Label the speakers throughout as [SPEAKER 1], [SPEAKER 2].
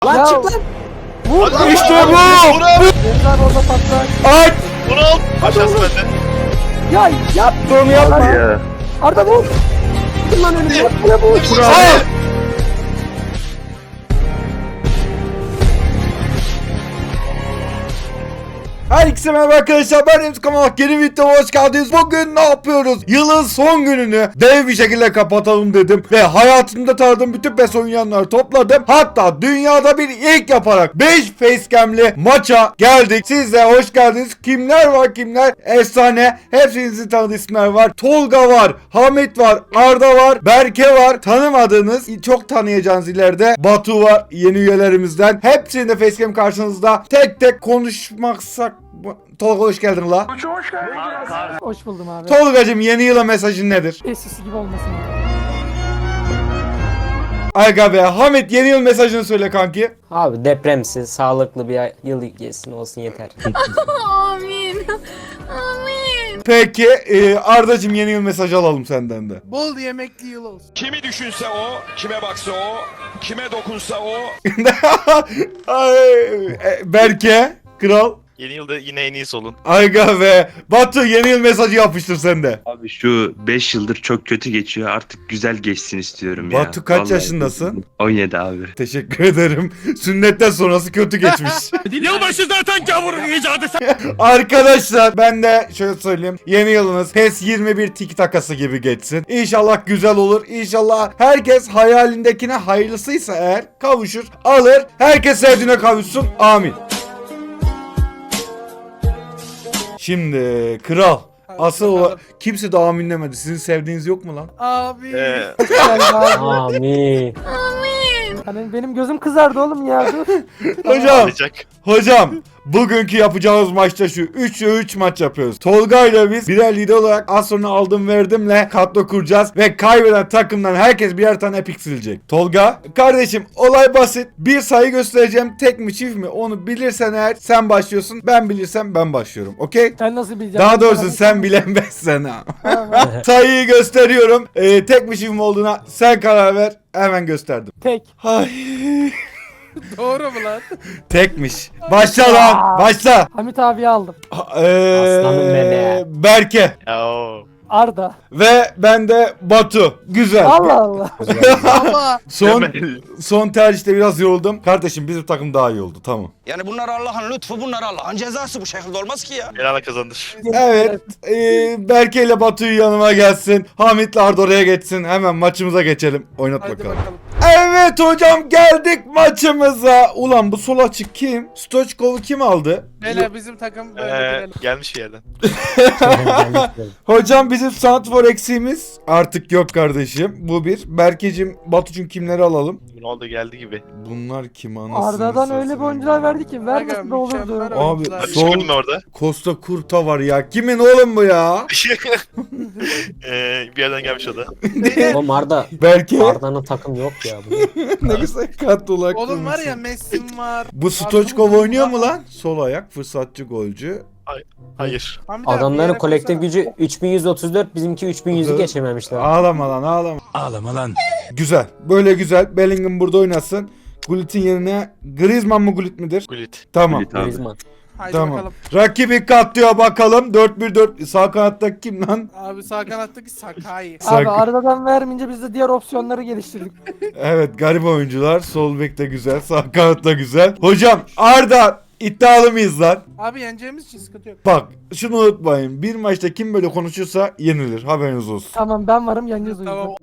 [SPEAKER 1] Lan
[SPEAKER 2] Ya.
[SPEAKER 1] çık lan.
[SPEAKER 2] Vur.
[SPEAKER 3] Hadi.
[SPEAKER 2] İşte
[SPEAKER 3] Hadi.
[SPEAKER 2] bu.
[SPEAKER 3] Vur abi.
[SPEAKER 2] Deniz abi orada patlar.
[SPEAKER 1] Aç.
[SPEAKER 3] Bunu al. Aşağısı bende.
[SPEAKER 2] Ya yap.
[SPEAKER 1] Onu yapma.
[SPEAKER 4] Ya.
[SPEAKER 2] Arda vur. Vur lan önüme. Ya vur.
[SPEAKER 1] Al. Herkese merhaba arkadaşlar, ben Remzi Kamalak, yeni videoma hoş geldiniz. Bugün ne yapıyoruz? Yılın son gününü dev bir şekilde kapatalım dedim ve hayatımda tanıdığım bütün PES oynayanları topladım. Hatta dünyada bir ilk yaparak 5 facecam'li maça geldik. Siz de hoş geldiniz. Kimler var kimler? Efsane. Hepinizin tanıdığı isimler var. Tolga var, Hamit var, Arda var, Berke var. Tanımadığınız, çok tanıyacağınız ileride Batu var, yeni üyelerimizden. Hepsinin de facecam karşınızda. Tek tek konuşmaksak. Tolga hoş geldin la.
[SPEAKER 2] Hoş buldum abi.
[SPEAKER 1] Tolgacığım, yeni yıla mesajın nedir?
[SPEAKER 2] Eskisi gibi olmasın.
[SPEAKER 1] Aga be. Hamit, yeni yıl mesajını söyle kanki.
[SPEAKER 5] Abi depremsiz, sağlıklı bir yıl geçsin olsun yeter.
[SPEAKER 6] Amin. Amin.
[SPEAKER 1] Peki Ardacığım, yeni yıl mesajı alalım senden de.
[SPEAKER 7] Bol yemekli yıl olsun.
[SPEAKER 3] Kimi düşünse o, kime baksa o, kime dokunsa o.
[SPEAKER 1] Ay, Berke kral.
[SPEAKER 3] Yeni yılda yine en iyisi olun.
[SPEAKER 1] Aga be. Batu, yeni yıl mesajı yapıştır sen de.
[SPEAKER 4] Abi şu 5 yıldır çok kötü geçiyor. Artık güzel geçsin istiyorum ya.
[SPEAKER 1] Batu, kaç
[SPEAKER 4] Vallahi.
[SPEAKER 1] yaşındasın?
[SPEAKER 4] 17 abi.
[SPEAKER 1] Teşekkür ederim. Sünnetten sonrası kötü geçmiş.
[SPEAKER 3] Yılbaşı zaten gavurun icadı.
[SPEAKER 1] Arkadaşlar, ben de şöyle söyleyeyim. Yeni yılınız PES 21 tiki takası gibi geçsin. İnşallah güzel olur. İnşallah herkes hayalindekine, hayırlısıysa eğer, kavuşur, alır. Herkes sevdiğine kavuşsun. Amin. Şimdi kral. Asıl o, kimse de amin demedi. Sizin sevdiğiniz yok mu lan?
[SPEAKER 7] Abi.
[SPEAKER 2] Yani abi.
[SPEAKER 5] Amin.
[SPEAKER 2] Hani benim gözüm kızardı oğlum ya. Dur.
[SPEAKER 1] Hocam.
[SPEAKER 3] Alacak.
[SPEAKER 1] Hocam, bugünkü yapacağımız maçta şu 3'e 3 maç yapıyoruz. Tolga ile biz birer lider olarak az sonra aldım verdimle kadro kuracağız ve kaybeden takımdan herkes birer tane epik silecek. Tolga, kardeşim, olay basit. Bir sayı göstereceğim, tek mi çift mi onu bilirsen eğer sen başlıyorsun, ben bilirsem ben başlıyorum, okey?
[SPEAKER 2] Sen nasıl bileceksin?
[SPEAKER 1] Daha doğrusu sen bilemezsen ha.
[SPEAKER 2] Tamam.
[SPEAKER 1] Sayıyı gösteriyorum. Tek mi çift mi olduğuna sen karar ver. Hemen gösterdim.
[SPEAKER 2] Tek.
[SPEAKER 1] Ay.
[SPEAKER 7] Doğru mu lan?
[SPEAKER 1] Tekmiş. Başla lan. Başla.
[SPEAKER 2] Hamit abiyi aldım.
[SPEAKER 5] Aslanım benim.
[SPEAKER 1] Berke.
[SPEAKER 3] Ya o.
[SPEAKER 2] Arda.
[SPEAKER 1] Ve ben de Batu. Güzel.
[SPEAKER 2] Allah Allah.
[SPEAKER 7] Ama
[SPEAKER 1] Son tercihte biraz yoruldum. Kardeşim, bizim takım daha iyi oldu. Tamam.
[SPEAKER 8] Yani bunlar Allah'ın lütfu, bunlar Allah'ın cezası, bu şekilde olmaz ki ya.
[SPEAKER 3] Helal kazandır.
[SPEAKER 1] Evet. Berke ile Batu'yu yanıma gelsin. Hamit'le Arda oraya geçsin. Hemen maçımıza geçelim. Oynat
[SPEAKER 7] hadi
[SPEAKER 1] bakalım.
[SPEAKER 7] bakalım.
[SPEAKER 1] Evet hocam, geldik maçımıza. Ulan bu sol açık kim? Stoichkov'u kim aldı?
[SPEAKER 7] Beyler bizim takım böyle bilelim.
[SPEAKER 3] Gelmiş bir yerden.
[SPEAKER 1] Hocam, bizim santrfor eksiğimiz artık yok kardeşim. Bu bir. Berkeciğim, Batucuğum, kimleri alalım?
[SPEAKER 3] Ne oldu, geldi gibi.
[SPEAKER 1] Bunlar kim anasını
[SPEAKER 2] Arda'dan öyle bir
[SPEAKER 1] satayım
[SPEAKER 2] oyuncular
[SPEAKER 1] ya.
[SPEAKER 2] verdi ki vermesi de
[SPEAKER 7] Aga,
[SPEAKER 2] olurdu.
[SPEAKER 7] mükemmel
[SPEAKER 1] Abi,
[SPEAKER 7] oyuncular.
[SPEAKER 1] sol-
[SPEAKER 3] Çıkırdın orada.
[SPEAKER 1] Costa Curta var ya. Kimin oğlum bu ya?
[SPEAKER 3] Bir yerden gelmiş o da.
[SPEAKER 5] Oğlum Arda.
[SPEAKER 1] Berke.
[SPEAKER 5] Arda'nın takım yok ya.
[SPEAKER 1] Ne güzel kadrolar
[SPEAKER 7] Oğlum var ya,
[SPEAKER 1] kurmuşsun.
[SPEAKER 7] Messi'm var.
[SPEAKER 1] Bu Stoichkov oynuyor mu lan? Sol ayak, fırsatçı golcü.
[SPEAKER 3] Hayır.
[SPEAKER 7] Hamit abi, bir
[SPEAKER 5] Adamların
[SPEAKER 7] yere
[SPEAKER 5] kolektif
[SPEAKER 7] koysana.
[SPEAKER 5] gücü 3134, bizimki 3100'ü geçememişler.
[SPEAKER 1] Ağlama lan, ağlama. Ağlama lan. Güzel. Böyle güzel. Bellingham burada oynasın. Gullit'in yerine Griezmann mı, Gullit midir?
[SPEAKER 3] Gullit.
[SPEAKER 1] Tamam.
[SPEAKER 4] Gullit abi.
[SPEAKER 5] Griezmann.
[SPEAKER 7] Haydi
[SPEAKER 1] Tamam.
[SPEAKER 7] bakalım.
[SPEAKER 1] Rakibi katlıyor bakalım. 4-1-4. Sağ kanatta kim lan?
[SPEAKER 7] Abi sağ kanattaki Sakai.
[SPEAKER 2] Abi Arda'dan vermeyince biz de diğer opsiyonları geliştirdik.
[SPEAKER 1] Evet, garip oyuncular. Sol bek de güzel. Sağ kanat da güzel. Hocam, Arda iddialı mıyız lan?
[SPEAKER 7] Abi yeneceğimiz için sıkıntı yok.
[SPEAKER 1] Bak, şunu unutmayın. Bir maçta kim böyle konuşursa yenilir. Haberiniz olsun.
[SPEAKER 2] Tamam, ben varım, yeneceğiz o yüzden.
[SPEAKER 7] Tamam.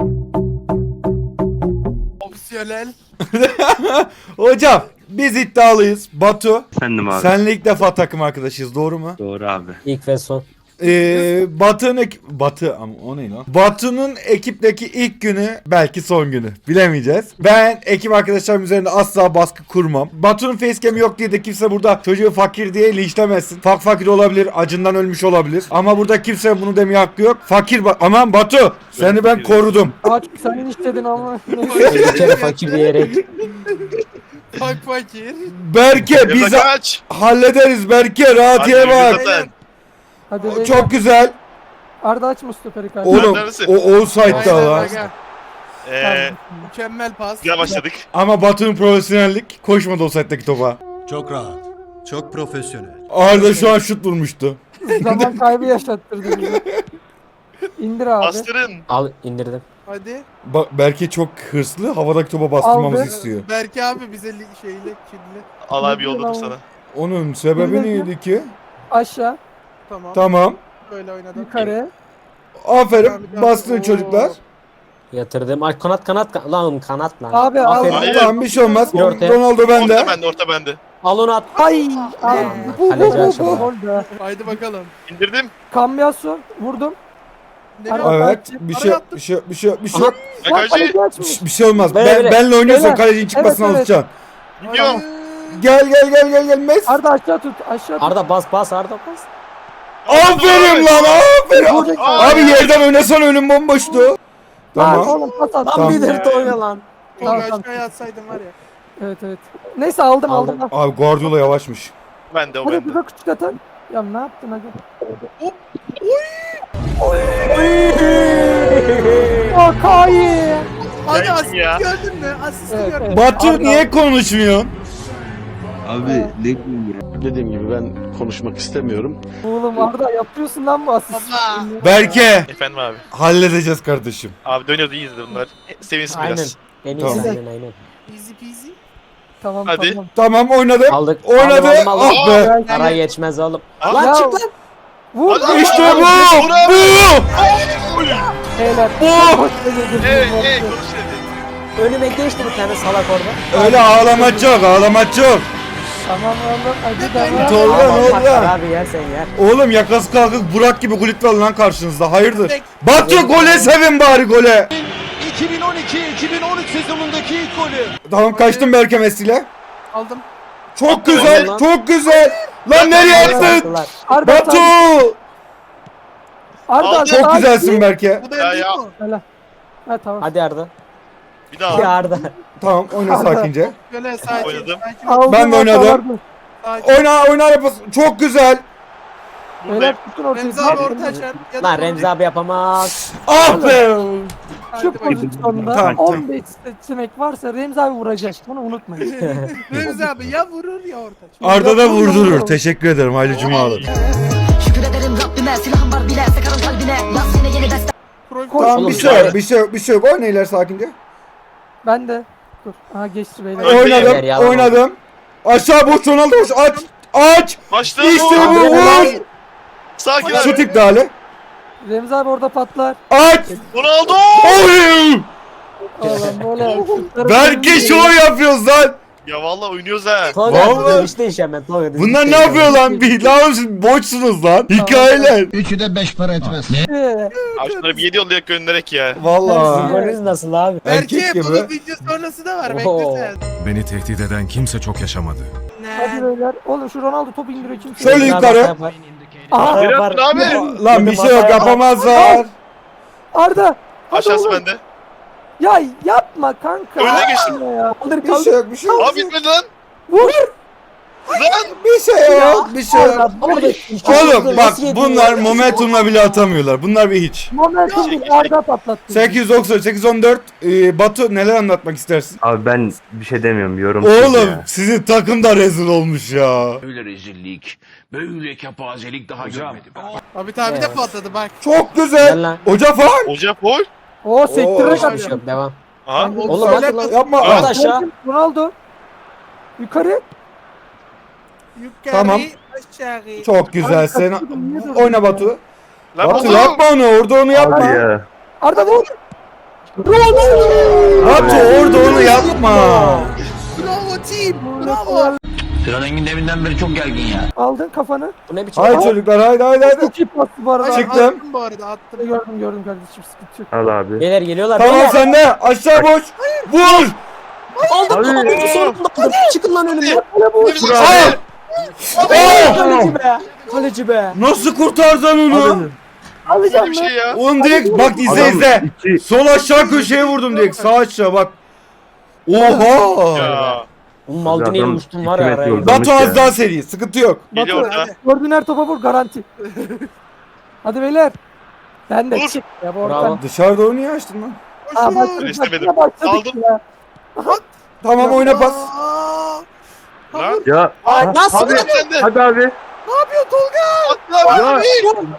[SPEAKER 7] Opsiyonel.
[SPEAKER 1] Hocam, biz iddialıyız. Batu,
[SPEAKER 4] Efendim abi.
[SPEAKER 1] senle ilk defa takım arkadaşıyız, doğru mu?
[SPEAKER 4] Doğru abi.
[SPEAKER 5] İlk ve son.
[SPEAKER 1] Batı ama o ne lan? Batu'nun ekipteki ilk günü, belki son günü. Bilemeyeceğiz. Ben ekip arkadaşlarım üzerinde asla baskı kurmam. Batu'nun facecam'i yok diye de kimse burada çocuğu fakir diye linçlemesin. Fakir olabilir, acından ölmüş olabilir. Ama burada kimse bunu demeye hakkı yok. Aman Batu, seni ben korudum.
[SPEAKER 2] Aç, sen istedin ama.
[SPEAKER 5] Bir kere fakir diyerek.
[SPEAKER 7] Fakir.
[SPEAKER 1] Berke, biz
[SPEAKER 3] Kaç.
[SPEAKER 1] hallederiz Berke, rahat yere bak.
[SPEAKER 3] Zaten.
[SPEAKER 2] Hadi beyler.
[SPEAKER 1] Çok güzel.
[SPEAKER 2] Arda açma stoperi kardeşim.
[SPEAKER 1] Oğlum,
[SPEAKER 3] Neredesin?
[SPEAKER 1] o offside'da
[SPEAKER 7] Aynen,
[SPEAKER 1] lan.
[SPEAKER 7] aga. Mükemmel pas.
[SPEAKER 9] Güzel başladık.
[SPEAKER 1] Ama Batu'nun profesyonellik koşmadı o setteki topa.
[SPEAKER 10] Çok rahat. Çok profesyonel.
[SPEAKER 1] Arda şu an şut vurmuştu.
[SPEAKER 2] Zaman kaybı yaşattırdı bizi. İndir abi.
[SPEAKER 9] Bastırın.
[SPEAKER 5] Al indirdim.
[SPEAKER 7] Hadi.
[SPEAKER 1] Berke çok hırslı. Havadaki topa bastırmamızı
[SPEAKER 2] Aldı.
[SPEAKER 1] istiyor.
[SPEAKER 7] Berke abi bize şeyle kirli.
[SPEAKER 9] Al abi yolladım sana.
[SPEAKER 1] Onun sebebi
[SPEAKER 2] İndir.
[SPEAKER 1] neydi ki?
[SPEAKER 2] Aşağı.
[SPEAKER 7] Tamam.
[SPEAKER 1] Tamam.
[SPEAKER 7] Böyle oynadım.
[SPEAKER 2] Yukarı.
[SPEAKER 1] Aferin.
[SPEAKER 7] Abi,
[SPEAKER 1] Bastırın
[SPEAKER 7] oo.
[SPEAKER 1] çocuklar.
[SPEAKER 5] Yatırdım. Ay kanat lan kanat lan.
[SPEAKER 2] Abi al.
[SPEAKER 5] Aferin.
[SPEAKER 9] Hayır.
[SPEAKER 1] Tamam bir şey olmaz.
[SPEAKER 5] Bir ortaya.
[SPEAKER 1] Ronaldo bende.
[SPEAKER 9] Orta bende, orta bende.
[SPEAKER 5] Al onu at.
[SPEAKER 2] Ay. Abi.
[SPEAKER 5] Kaleci aşağıda.
[SPEAKER 2] Gol be.
[SPEAKER 7] Haydi bakalım.
[SPEAKER 9] İndirdim.
[SPEAKER 2] Kambiyasu. Vurdum.
[SPEAKER 7] Nereye
[SPEAKER 2] Abi,
[SPEAKER 1] Evet.
[SPEAKER 7] attın?
[SPEAKER 1] Bir
[SPEAKER 7] Araya
[SPEAKER 1] şey
[SPEAKER 7] attın.
[SPEAKER 1] bir şey bir şey bir şey.
[SPEAKER 5] Aha.
[SPEAKER 9] Ya
[SPEAKER 2] Lan
[SPEAKER 9] kaleci.
[SPEAKER 2] kaleci açmış.
[SPEAKER 1] Bir şey olmaz.
[SPEAKER 5] Böyle.
[SPEAKER 1] Benle oynuyorsan
[SPEAKER 2] Böyle.
[SPEAKER 1] kalecinin çıkmasına
[SPEAKER 2] Evet, evet.
[SPEAKER 1] alışacaksın.
[SPEAKER 9] Gidiyorum.
[SPEAKER 1] Gel Messi.
[SPEAKER 2] Arda aşağı tut. Aşağı tut.
[SPEAKER 5] Arda bas Arda bas.
[SPEAKER 1] Aferin lan aferin.
[SPEAKER 2] Vuracak.
[SPEAKER 1] Abi yerden oynasan önüm bomboştu.
[SPEAKER 2] Lan
[SPEAKER 1] Tamam.
[SPEAKER 2] oğlum pas at.
[SPEAKER 5] Lan
[SPEAKER 1] Tamam.
[SPEAKER 5] bir de oyna lan.
[SPEAKER 7] Tolga
[SPEAKER 2] Tamam.
[SPEAKER 7] aşağıya atsaydım var ya.
[SPEAKER 2] Evet evet. Neyse aldım.
[SPEAKER 5] Aldım.
[SPEAKER 1] Abi Guardiola yavaşmış.
[SPEAKER 9] Bende o
[SPEAKER 2] Hadi
[SPEAKER 9] bende.
[SPEAKER 2] bir de küçük atan. Ya ne yaptın hadi. O Kayi.
[SPEAKER 7] Hadi
[SPEAKER 9] Ya,
[SPEAKER 7] asist
[SPEAKER 9] ya.
[SPEAKER 7] gördün mü? Asist
[SPEAKER 2] Evet,
[SPEAKER 7] gördün.
[SPEAKER 2] evet.
[SPEAKER 1] Batu
[SPEAKER 2] Arda-
[SPEAKER 1] niye konuşmuyorsun?
[SPEAKER 10] Dediğim gibi ben konuşmak istemiyorum.
[SPEAKER 2] Oğlum Arda yapıyorsun lan bu asist.
[SPEAKER 7] Baba.
[SPEAKER 1] Berke
[SPEAKER 9] Efendim abi.
[SPEAKER 1] halledeceğiz kardeşim.
[SPEAKER 9] Abi dönüyordu iyiyiz de bunlar. Sevinsin
[SPEAKER 5] Aynen.
[SPEAKER 9] biraz.
[SPEAKER 5] En iyisi
[SPEAKER 1] Tamam.
[SPEAKER 5] aynen.
[SPEAKER 7] Easy peasy.
[SPEAKER 2] Tamam
[SPEAKER 9] Hadi.
[SPEAKER 2] tamam.
[SPEAKER 1] Tamam oynadım.
[SPEAKER 5] Aldık.
[SPEAKER 1] Oynadı.
[SPEAKER 5] Aldım.
[SPEAKER 1] Ah be.
[SPEAKER 5] Ara geçmez oğlum.
[SPEAKER 9] Aa,
[SPEAKER 5] Lan
[SPEAKER 2] ya.
[SPEAKER 5] çık lan.
[SPEAKER 2] Vur.
[SPEAKER 9] Hadi.
[SPEAKER 1] İşte bu.
[SPEAKER 9] Vur abi.
[SPEAKER 1] Bu.
[SPEAKER 2] Beyler.
[SPEAKER 1] Bu.
[SPEAKER 9] Hey konuş dedi.
[SPEAKER 5] Önüme geçti bir tane salak orada.
[SPEAKER 1] Öyle ağlama çok ağlama çok.
[SPEAKER 2] Tamam oğlum hadi devam.
[SPEAKER 1] Tolga ne oldu
[SPEAKER 5] Bak
[SPEAKER 1] ya?
[SPEAKER 5] abi yersen yer.
[SPEAKER 1] Oğlum yakası kalkık Burak gibi gulit var lan karşınızda. Hayırdır?
[SPEAKER 7] Tek-
[SPEAKER 1] Batu gole sevin bari gole.
[SPEAKER 10] 2012-2013 sezonundaki ilk golü.
[SPEAKER 1] Tamam kaçtım Berke Messi'yle.
[SPEAKER 7] Aldım.
[SPEAKER 1] Çok güzel,
[SPEAKER 5] lan.
[SPEAKER 1] çok güzel. Lan nereye attın?
[SPEAKER 5] Salaklar.
[SPEAKER 2] Arda
[SPEAKER 1] Batu!
[SPEAKER 2] sen- Arda
[SPEAKER 9] Aldım.
[SPEAKER 1] Çok
[SPEAKER 2] sen-
[SPEAKER 1] güzelsin Berke.
[SPEAKER 7] Bu da
[SPEAKER 9] Ya,
[SPEAKER 7] değil
[SPEAKER 9] ya.
[SPEAKER 7] mi?
[SPEAKER 2] Helal. Ha tamam.
[SPEAKER 5] Hadi Arda.
[SPEAKER 9] Bir daha.
[SPEAKER 5] Hadi Arda.
[SPEAKER 1] Tamam oyna sakince.
[SPEAKER 7] Böyle sakin.
[SPEAKER 9] Oynadım.
[SPEAKER 7] Sakin.
[SPEAKER 2] Aldım,
[SPEAKER 1] Ben de oynadım.
[SPEAKER 2] ortalardı.
[SPEAKER 7] Sakin.
[SPEAKER 1] Oyna yapası. Çok güzel.
[SPEAKER 2] Beyler tutun ortayı.
[SPEAKER 7] Remzi abi orta açar. Ya da
[SPEAKER 5] Lan Remzi abi yapamaz.
[SPEAKER 1] Ah be.
[SPEAKER 7] Hadi
[SPEAKER 2] Şu
[SPEAKER 7] bakayım.
[SPEAKER 2] pozisyonda
[SPEAKER 1] Tamam, tamam.
[SPEAKER 2] 15 seçenek varsa Remzi abi vuracak. Bunu unutmayın.
[SPEAKER 7] Remzi abi ya vurur ya orta açar.
[SPEAKER 1] Arda da vurdurur. Teşekkür ederim. Hayırlı cumalar.
[SPEAKER 11] Şükür ederim Rabbime silahım var bile sıkarım kalbine yaz yine yeni destek.
[SPEAKER 7] Pro-
[SPEAKER 1] Tamam
[SPEAKER 5] Oğlum,
[SPEAKER 1] bir şey yok, bir şey yok, bir şey yok. Oyna ileri sakince.
[SPEAKER 2] Ben de. Dur. Aha geçti beyler.
[SPEAKER 9] Öyle
[SPEAKER 1] Oynadım,
[SPEAKER 5] yalan
[SPEAKER 1] oynadım. Aşağı boş Ronaldo boş. Aç, aç.
[SPEAKER 9] Başla.
[SPEAKER 1] İşte bu vur.
[SPEAKER 9] Sakin
[SPEAKER 1] Şut
[SPEAKER 9] abi.
[SPEAKER 1] iptali.
[SPEAKER 2] Remzi abi orada patlar.
[SPEAKER 1] Aç.
[SPEAKER 9] Ronaldo.
[SPEAKER 1] Oy.
[SPEAKER 2] Oğlum böyle. şutları-
[SPEAKER 1] Belki şov yapıyoruz lan.
[SPEAKER 9] Ya vallahi oynuyoruz ha.
[SPEAKER 5] Tolga
[SPEAKER 1] Vallahi.
[SPEAKER 5] işte iş hemen Tolga.
[SPEAKER 1] Bunlar ne yapıyor lan? Bir lan siz boşsunuz lan. Hikayeler.
[SPEAKER 10] Üçü de 5 para etmez.
[SPEAKER 9] Abi şunları bir 7 yollayak gönderek ya.
[SPEAKER 1] Vallahi.
[SPEAKER 5] Psikolojiniz nasıl abi?
[SPEAKER 1] Erkek
[SPEAKER 7] Berke
[SPEAKER 1] gibi.
[SPEAKER 7] bunun video sonrası da var.
[SPEAKER 5] Oo.
[SPEAKER 7] Bekle sen.
[SPEAKER 10] Beni tehdit eden kimse çok yaşamadı.
[SPEAKER 2] Hadi beyler. Oğlum şu Ronaldo top indiriyor kimse.
[SPEAKER 1] Şöyle
[SPEAKER 5] Remzi abi
[SPEAKER 1] yukarı.
[SPEAKER 5] hata yapar.
[SPEAKER 2] Aha.
[SPEAKER 5] Hata
[SPEAKER 9] Ne
[SPEAKER 5] yapar.
[SPEAKER 9] yaptın abi?
[SPEAKER 1] Lan bir şey yok yapamazlar.
[SPEAKER 2] Arda. Hadi
[SPEAKER 9] Aşağısı
[SPEAKER 2] oğlum.
[SPEAKER 9] bende.
[SPEAKER 2] Ya yapma kanka.
[SPEAKER 9] Önüne geçtim.
[SPEAKER 2] Ya.
[SPEAKER 5] Kaldır
[SPEAKER 1] Bir şey
[SPEAKER 5] kaldır.
[SPEAKER 1] yok, bir şey yok.
[SPEAKER 9] Abi bitmedi lan.
[SPEAKER 2] Vur.
[SPEAKER 9] Lan.
[SPEAKER 1] Bir şey yok, bir şey yok. Oğlum bak bunlar momentumla bile atamıyorlar. Bunlar bir hiç.
[SPEAKER 2] Momentum değil, Arda patlattı.
[SPEAKER 1] 890, 814. Batu neler anlatmak istersin?
[SPEAKER 4] Abi ben bir şey demiyorum yorum.
[SPEAKER 1] Oğlum sizin takım da rezil olmuş ya.
[SPEAKER 8] Böyle rezillik, böyle kepazelik daha görmedim.
[SPEAKER 7] Abi tabi de patladı bak.
[SPEAKER 1] Çok
[SPEAKER 5] Gel
[SPEAKER 1] güzel.
[SPEAKER 5] lan.
[SPEAKER 1] Hoca falan.
[SPEAKER 9] Hoca gol.
[SPEAKER 2] O sektirerek
[SPEAKER 1] Oo.
[SPEAKER 5] Bir şey yok devam.
[SPEAKER 9] Aha.
[SPEAKER 5] Oğlum
[SPEAKER 7] Söyle-
[SPEAKER 5] hadi lan.
[SPEAKER 1] Yapma.
[SPEAKER 5] At
[SPEAKER 1] Ah,
[SPEAKER 5] aşağı.
[SPEAKER 2] Ronaldo. Yukarı.
[SPEAKER 7] Yukarı,
[SPEAKER 1] Tamam.
[SPEAKER 7] aşağı.
[SPEAKER 1] Çok güzelsin. Oyna Batu.
[SPEAKER 9] Lan
[SPEAKER 1] Batu
[SPEAKER 9] Batu.
[SPEAKER 1] yapma onu. Orada onu yapma.
[SPEAKER 4] Ya.
[SPEAKER 2] Arda vur.
[SPEAKER 1] Batu orada onu yapma.
[SPEAKER 7] Bravo team. Bravo.
[SPEAKER 8] Sinan Engin deminden beri çok gergin ya.
[SPEAKER 2] Aldın kafanı.
[SPEAKER 5] Bu ne biçim?
[SPEAKER 1] Haydi çocuklar haydi.
[SPEAKER 2] Çok iyi pastı bu arada.
[SPEAKER 7] Hayır,
[SPEAKER 1] Çıktım.
[SPEAKER 7] Attım bu arada attım.
[SPEAKER 2] Gördüm kardeşim sıkıntı yok.
[SPEAKER 4] Al abi.
[SPEAKER 5] Beyler geliyorlar.
[SPEAKER 1] Tamam
[SPEAKER 5] beyler.
[SPEAKER 1] sende. Aşağı boş. Vur.
[SPEAKER 5] Aldım. Sonunda aldım. Çıkın lan önümden.
[SPEAKER 1] Al. Oh!
[SPEAKER 5] Kaleci be. Kaleci be.
[SPEAKER 1] Nasıl kurtardın onu?
[SPEAKER 2] Alacağım
[SPEAKER 9] Bir
[SPEAKER 2] mı?
[SPEAKER 9] şey ya.
[SPEAKER 1] Oğlum direkt bak izle
[SPEAKER 4] Adam
[SPEAKER 1] izle.
[SPEAKER 4] iki-
[SPEAKER 1] Sol aşağı köşeye vurdum direkt. Sağ aşağı bak. Oha.
[SPEAKER 9] Ya.
[SPEAKER 5] Oğlum Maldini'ye
[SPEAKER 4] Adam
[SPEAKER 5] uçtum var
[SPEAKER 4] 2
[SPEAKER 5] ya
[SPEAKER 4] metre
[SPEAKER 5] araya.
[SPEAKER 4] yolda.
[SPEAKER 1] Batu
[SPEAKER 4] ya.
[SPEAKER 1] az daha seri. Sıkıntı yok.
[SPEAKER 9] Geliyor
[SPEAKER 2] Batu,
[SPEAKER 9] orada.
[SPEAKER 2] gördüğün her topa vur garanti. Hadi beyler. Ben de
[SPEAKER 9] Vur.
[SPEAKER 2] çık. Ya bu
[SPEAKER 5] Bravo.
[SPEAKER 2] ortam.
[SPEAKER 1] Dışarıda onu niye açtın lan?
[SPEAKER 2] Aa başladık.
[SPEAKER 9] İstemedim.
[SPEAKER 2] Yine başladık
[SPEAKER 9] Aldım.
[SPEAKER 2] ya.
[SPEAKER 1] Tamam oyna pas.
[SPEAKER 7] Aa,
[SPEAKER 9] Lan.
[SPEAKER 10] Ya
[SPEAKER 5] Nasıl?
[SPEAKER 9] Abi sen de.
[SPEAKER 10] hadi abi.
[SPEAKER 7] ne yapıyor Tolga?
[SPEAKER 9] Atla abi.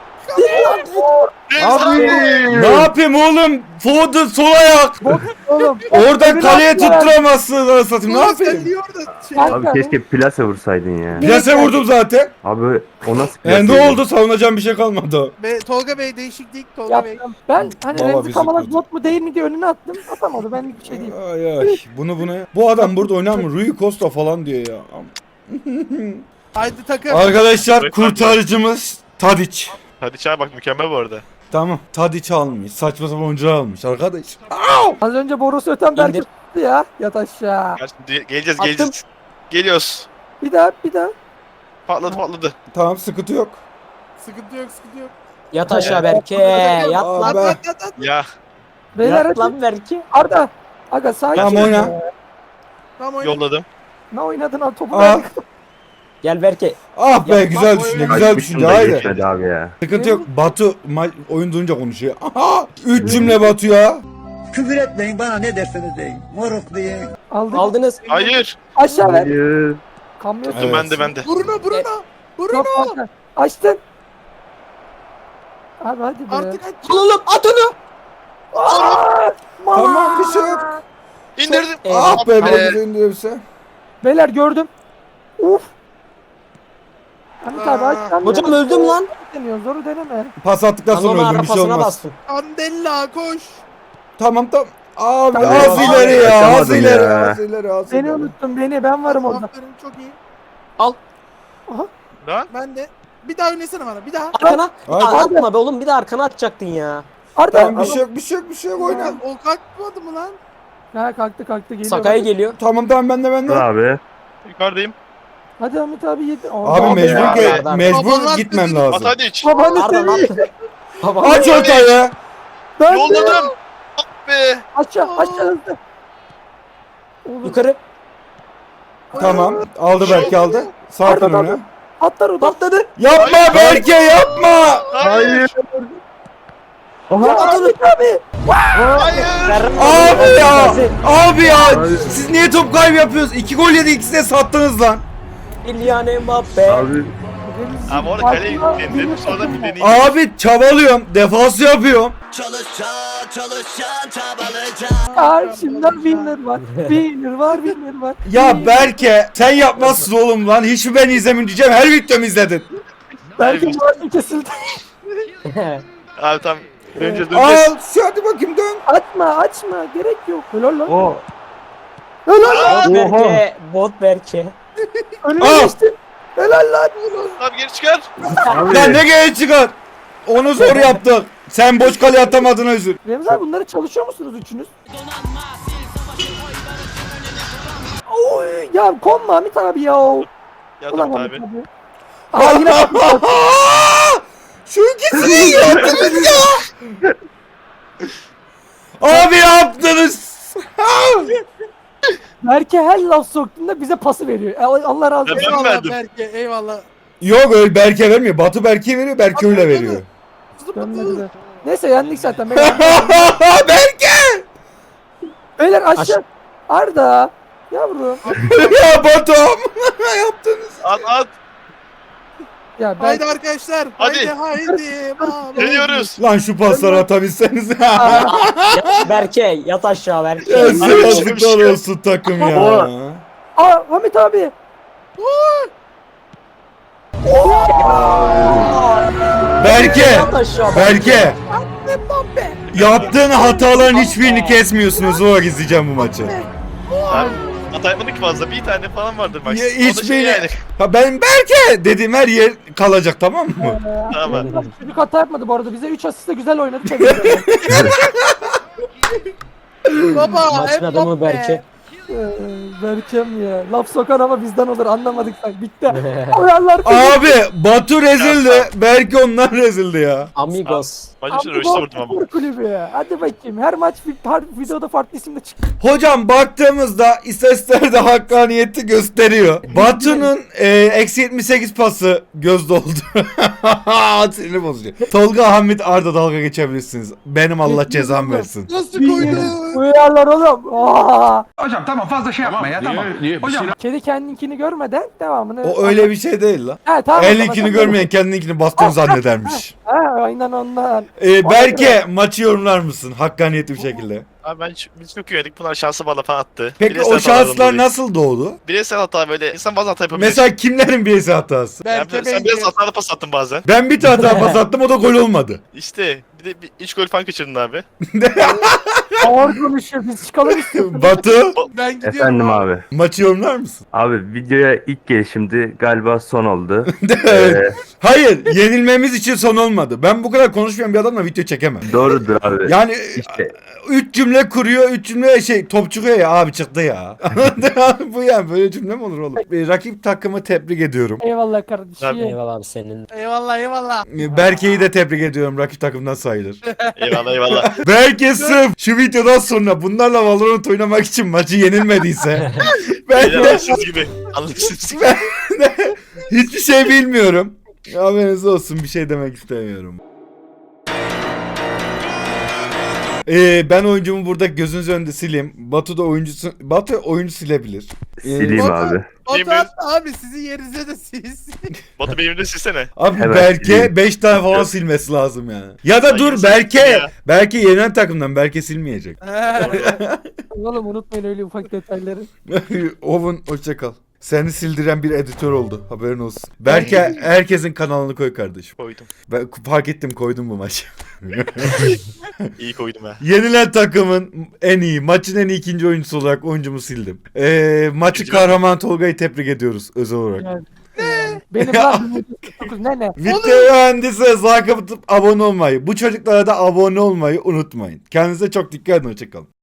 [SPEAKER 10] Abi.
[SPEAKER 1] Ne yapayım oğlum? Foden sol ayak.
[SPEAKER 2] Oğlum.
[SPEAKER 1] Oradan kaleye
[SPEAKER 2] Öbürü attılar.
[SPEAKER 1] tutturamazsın anasını satayım. Ne
[SPEAKER 7] Tolga sen
[SPEAKER 1] yapayım?
[SPEAKER 7] niye orada şey?
[SPEAKER 2] Kanka,
[SPEAKER 10] plase vursaydın ya.
[SPEAKER 1] Plase vurdum zaten.
[SPEAKER 10] Abi o nasıl
[SPEAKER 1] Ne oldu? Savunacağım bir şey kalmadı.
[SPEAKER 7] Tolga Bey değişiklik Tolga Bey.
[SPEAKER 2] yaptım. Ben hani
[SPEAKER 1] Baba
[SPEAKER 2] Remzi
[SPEAKER 1] bizi
[SPEAKER 2] Kamalak
[SPEAKER 1] kötü.
[SPEAKER 2] bot mu değil mi diye önüne attım. Atamadı. Benlik bir şey değil.
[SPEAKER 1] Ay ay. Bunu. Bu adam burada oynar mı? Rui Costa falan diyor ya.
[SPEAKER 7] Haydi takım.
[SPEAKER 1] Arkadaşlar kurtarıcımız Tadic.
[SPEAKER 9] Hadi çay bak mükemmel bu arada.
[SPEAKER 1] Tamam. Tadic almış. Saçma sapan oyuncular almış arkadaş.
[SPEAKER 2] Az önce borusu öten Berke
[SPEAKER 5] İndir.
[SPEAKER 2] tuttu ya. Yat aşağı.
[SPEAKER 9] Geleceğiz
[SPEAKER 5] Attım.
[SPEAKER 9] geleceğiz. Geliyoruz.
[SPEAKER 2] Bir daha.
[SPEAKER 9] Patladı.
[SPEAKER 1] Tamam sıkıntı yok.
[SPEAKER 7] Sıkıntı yok sıkıntı yok.
[SPEAKER 5] Yat aşağı Berke. Yat
[SPEAKER 1] Aa,
[SPEAKER 5] lan.
[SPEAKER 1] be.
[SPEAKER 7] At.
[SPEAKER 9] Ya.
[SPEAKER 2] Beyler
[SPEAKER 5] Yat
[SPEAKER 2] hadi.
[SPEAKER 5] lan Berke.
[SPEAKER 2] Arda. Aga sakin.
[SPEAKER 1] Tamam oyna.
[SPEAKER 7] Tamam oyna.
[SPEAKER 9] Yolladım.
[SPEAKER 2] Ne oynadın abi topu
[SPEAKER 1] Aa.
[SPEAKER 2] verdik.
[SPEAKER 5] Gel Berke.
[SPEAKER 1] Ah be
[SPEAKER 5] Ya,
[SPEAKER 1] güzel
[SPEAKER 7] bak,
[SPEAKER 1] düşünce
[SPEAKER 7] oyna.
[SPEAKER 1] güzel düşünce haydi.
[SPEAKER 10] abi ya.
[SPEAKER 1] Sıkıntı yok. Batu oyun durunca konuşuyor. Aha! 3 cümle Batu ya.
[SPEAKER 12] Küfür etmeyin bana ne derseniz deyin. Moruk deyin.
[SPEAKER 2] Aldık.
[SPEAKER 5] Aldınız.
[SPEAKER 9] Hayır.
[SPEAKER 2] Aşağı ver.
[SPEAKER 10] Hayır.
[SPEAKER 2] Kamyon.
[SPEAKER 1] Evet.
[SPEAKER 9] Ben de.
[SPEAKER 7] Bruno.
[SPEAKER 2] Yok kanka. Açtın. Abi hadi be.
[SPEAKER 7] Artık aç.
[SPEAKER 5] Al oğlum at onu.
[SPEAKER 1] Tamam bir şey yok.
[SPEAKER 9] İndirdim.
[SPEAKER 1] Ah be bize indirirse.
[SPEAKER 2] Beyler gördüm. Uf. Hamit abi aç.
[SPEAKER 5] Hocam öldüm lan.
[SPEAKER 2] Deniyor. Zoru deneme.
[SPEAKER 1] Pas attıktan sonra
[SPEAKER 5] Anoma
[SPEAKER 1] öldüm bir şey
[SPEAKER 5] arapasına
[SPEAKER 1] olmaz.
[SPEAKER 5] bastım.
[SPEAKER 7] Andella koş.
[SPEAKER 1] Tamam. Abi
[SPEAKER 2] Tamam.
[SPEAKER 1] az ileri ya. Az
[SPEAKER 10] Kaçamadın
[SPEAKER 1] ileri.
[SPEAKER 10] ya.
[SPEAKER 1] Az ileri. Az
[SPEAKER 2] Beni
[SPEAKER 1] ileri.
[SPEAKER 2] unuttun beni. Ben varım orada.
[SPEAKER 7] Aferin çok iyi.
[SPEAKER 9] Lan.
[SPEAKER 7] Ben de. Bir daha oynasana bana bir daha.
[SPEAKER 5] Arkana.
[SPEAKER 1] Hadi.
[SPEAKER 5] Aa, atma be oğlum bir de arkana atacaktın ya.
[SPEAKER 2] Arda.
[SPEAKER 1] Tamam bir şey yok oyna.
[SPEAKER 7] O kalkmadı mı lan?
[SPEAKER 2] Ha kalktı geliyor.
[SPEAKER 5] Sakaya geliyor.
[SPEAKER 1] Tamam ben de.
[SPEAKER 10] Abi.
[SPEAKER 9] Yukarıdayım.
[SPEAKER 2] Hadi Hamit abi yedi.
[SPEAKER 1] Abi
[SPEAKER 5] Arda.
[SPEAKER 1] mecbur
[SPEAKER 7] Babalar
[SPEAKER 1] gitmem
[SPEAKER 7] dedi.
[SPEAKER 1] lazım.
[SPEAKER 9] At hadi iç.
[SPEAKER 2] Babanı
[SPEAKER 5] Arda ne
[SPEAKER 2] seveyim.
[SPEAKER 5] yaptın? Baba.
[SPEAKER 1] Aç ortayı.
[SPEAKER 2] Ben de.
[SPEAKER 9] Yolladım. Be.
[SPEAKER 2] Aşağı hızlı. Oğlum,
[SPEAKER 5] Yukarı.
[SPEAKER 1] Tamam. Aldı belki aldı. Sakin
[SPEAKER 2] Arda,
[SPEAKER 1] oyna.
[SPEAKER 2] atlar o da.
[SPEAKER 5] Patladı.
[SPEAKER 1] Yapma Berke yapma.
[SPEAKER 9] Hayır.
[SPEAKER 2] Hamit abi.
[SPEAKER 9] Hayır.
[SPEAKER 1] Abi ya. Abi ya. Siz niye top kaybı yapıyorsunuz? 2 gol yedi ikisini de sattınız lan.
[SPEAKER 5] Kylian Mbappe.
[SPEAKER 10] Abi.
[SPEAKER 9] Ama orada kaleye dedim sonra bir deneyim.
[SPEAKER 1] Abi çabalıyorum. Defans yapıyorum.
[SPEAKER 2] Karşımda winner var. Winner var.
[SPEAKER 1] Ya Berke sen yapmazsın oğlum lan. Hiç mi ben izlemin diyeceğim. Her videomu izledin.
[SPEAKER 2] Belki bu arada kesildi.
[SPEAKER 9] Abi tamam. Döneceğiz.
[SPEAKER 1] Al. Hadi bakayım dön.
[SPEAKER 2] Açma. Gerek yok. Helal lan.
[SPEAKER 10] O.
[SPEAKER 5] Bot Berke. Bot Berke.
[SPEAKER 2] Önüne
[SPEAKER 1] Al.
[SPEAKER 2] geçtin. Helal lan.
[SPEAKER 9] Abi geri çıkar.
[SPEAKER 1] Lan ne geç çıkar. Onu zor yaptık. Sen boş kale atamadın özür.
[SPEAKER 2] Remzi abi bunları çalışıyor musunuz üçünüz? Oy ya konma Hamit abi ya.
[SPEAKER 9] Ya
[SPEAKER 2] Ulan
[SPEAKER 9] tamam
[SPEAKER 2] Hamit
[SPEAKER 9] abi.
[SPEAKER 2] abi. Aa yine bak.
[SPEAKER 1] Şu ikisini yaptınız ya. Abi yaptınız.
[SPEAKER 2] Berke her laf soktuğunda bize pası veriyor. Allah razı olsun.
[SPEAKER 9] Ben
[SPEAKER 7] Eyvallah
[SPEAKER 9] verdim.
[SPEAKER 7] Berke eyvallah.
[SPEAKER 1] Yok öyle Berke vermiyor. Batu Berke'ye veriyor. Berke öyle veriyor.
[SPEAKER 2] Dönmedi de. Neyse yendik zaten.
[SPEAKER 1] Berke.
[SPEAKER 2] Beyler aşağı. Arda. Yavrum.
[SPEAKER 1] Ya Batu'm. Yaptınız.
[SPEAKER 9] At.
[SPEAKER 2] Ya ben
[SPEAKER 7] Haydi arkadaşlar.
[SPEAKER 9] Hadi.
[SPEAKER 7] Haydi.
[SPEAKER 9] Geliyoruz.
[SPEAKER 1] Lan şu pasları atabilseniz.
[SPEAKER 5] Yat Berke. Yat aşağı Berke.
[SPEAKER 1] Ya size yazıklar olsun takım ya.
[SPEAKER 2] Aa Hamit abi.
[SPEAKER 1] Berke.
[SPEAKER 5] Yat aşağı
[SPEAKER 1] Berke. Yaptığın hataların hiçbirini kesmiyorsunuz. O izleyeceğim bu maçı.
[SPEAKER 9] Abi hata yapmadık ki fazla. Bir tane falan vardır bak.
[SPEAKER 1] Ya,
[SPEAKER 9] O da şey
[SPEAKER 1] hiçbiri.
[SPEAKER 9] yani.
[SPEAKER 1] Ha, ben Berke dediğim her yer kalacak tamam mı?
[SPEAKER 9] Tamam.
[SPEAKER 2] Çocuk hata yapmadı bu arada. Bize 3 asiste güzel oynadı. Tebrik ederim.
[SPEAKER 7] Baba.
[SPEAKER 5] Maçın adamı Berke.
[SPEAKER 2] Berkem ya. Laf sokan ama bizden olur anlamadık sen. Bitti. Koyarlar.
[SPEAKER 1] Abi Batu rezildi. Belki onlar rezildi ya.
[SPEAKER 5] Amigos.
[SPEAKER 9] Maçın için röşte vurdum ama.
[SPEAKER 2] Kulübü ya. Hadi bakayım. Her maç her videoda farklı isimle çık.
[SPEAKER 1] Hocam baktığımızda istatistikler de hakkaniyeti gösteriyor. Batu'nun eksi 78 pası göz doldu. Sinirli bozucu. Tolga, Hamit, Arda dalga geçebilirsiniz. Benim Allah cezam versin.
[SPEAKER 7] Nasıl koydu?
[SPEAKER 2] Koyarlar oğlum. Aa!
[SPEAKER 12] Hocam tamam fazla şey yapma ya tamam. Hocam
[SPEAKER 2] Kedi kendinkini görmeden devamını.
[SPEAKER 1] O öyle bir şey değil la.
[SPEAKER 2] Ha, tamam,
[SPEAKER 1] Elininkini
[SPEAKER 2] tamam.
[SPEAKER 1] görmeyen kendininkini bastığını zannedermiş.
[SPEAKER 2] Ha, aynen ondan.
[SPEAKER 1] Berke maçı yorumlar mısın? Hakkaniyetli bir şekilde.
[SPEAKER 9] Abi biz çok güvendik. Bunlar şansı bana falan attı.
[SPEAKER 1] Peki
[SPEAKER 9] Bireysel
[SPEAKER 1] o
[SPEAKER 9] hatalardan
[SPEAKER 1] şanslar
[SPEAKER 9] dolayı.
[SPEAKER 1] nasıl doğdu?
[SPEAKER 9] Bireysel hata böyle. İnsan bazen hata yapabilir.
[SPEAKER 1] Mesela kimlerin bireysel hatası?
[SPEAKER 9] Yani
[SPEAKER 7] Berke
[SPEAKER 9] sen biraz hatalı pas attın bazen.
[SPEAKER 1] Ben bir tane hata pas attım, o da gol olmadı.
[SPEAKER 9] İşte bir de 3 gol falan kaçırdın abi.
[SPEAKER 2] Ağır konuşuyor. Biz çıkalım istiyoruz.
[SPEAKER 1] Batu
[SPEAKER 7] Ben gidiyorum.
[SPEAKER 10] Efendim abi.
[SPEAKER 1] maçı yorumlar mısın?
[SPEAKER 10] Abi videoya ilk gelişimdi. Galiba son oldu.
[SPEAKER 1] Hayır, yenilmemiz için son olmadı. Ben bu kadar konuşmayan bir adamla video çekemem.
[SPEAKER 10] Doğrudur abi.
[SPEAKER 1] Yani
[SPEAKER 10] İşte
[SPEAKER 1] 3 cümle kuruyor, 3 cümle top çıkıyor ya abi çıktı ya. Bu yani böyle cümle mi olur oğlum? Rakip takımı tebrik ediyorum.
[SPEAKER 2] Eyvallah kardeşim.
[SPEAKER 5] Eyvallah abi senin.
[SPEAKER 7] Eyvallah eyvallah.
[SPEAKER 1] Berke'yi de tebrik ediyorum. Rakip takımdan sayılır.
[SPEAKER 9] Eyvallah eyvallah.
[SPEAKER 1] Berke sırf şu videodan sonra bunlarla Valorant oynamak için maçı yenilmediyse ben de
[SPEAKER 9] Anlaşılsız gibi. Anlaşılsız gibi.
[SPEAKER 1] hiçbir şey bilmiyorum. Haberiniz olsun, bir şey demek istemiyorum. Ben oyuncumu burada gözünüz önünde sileyim. Batu da Batu oyuncu silebilir.
[SPEAKER 10] sileyim abi.
[SPEAKER 7] Batu attı abi sizin yerinize de siz.
[SPEAKER 9] Batu benim de silsene.
[SPEAKER 1] Abi
[SPEAKER 10] Hemen
[SPEAKER 1] Berke
[SPEAKER 10] sileyim.
[SPEAKER 1] 5 tane falan silmesi lazım yani. Ya da
[SPEAKER 9] Ay,
[SPEAKER 1] dur
[SPEAKER 9] yazık
[SPEAKER 1] Berke.
[SPEAKER 9] ya.
[SPEAKER 1] Berke yenen takımdan, Berke silmeyecek.
[SPEAKER 2] Oğlum unutmayın öyle ufak detayları.
[SPEAKER 1] Oven hoşça kal. Seni sildiren bir editör oldu. Haberin olsun. Berke herkesin kanalını koy kardeşim.
[SPEAKER 9] Koydum.
[SPEAKER 1] Ben fark ettim, koydum bu maçı.
[SPEAKER 9] İyi koydum ha.
[SPEAKER 1] Yenilen takımın en iyi, maçın en iyi ikinci oyuncusu olarak oyuncumu sildim. Maçı
[SPEAKER 9] İkinci
[SPEAKER 1] kahraman Tolga'yı tebrik ediyoruz özel olarak.
[SPEAKER 2] Yani. Benim lan 19 ne?
[SPEAKER 1] Video mühendisi like atıp abone olmayı, bu çocuklara da abone olmayı unutmayın. Kendinize çok dikkat edin, hoşçakalın.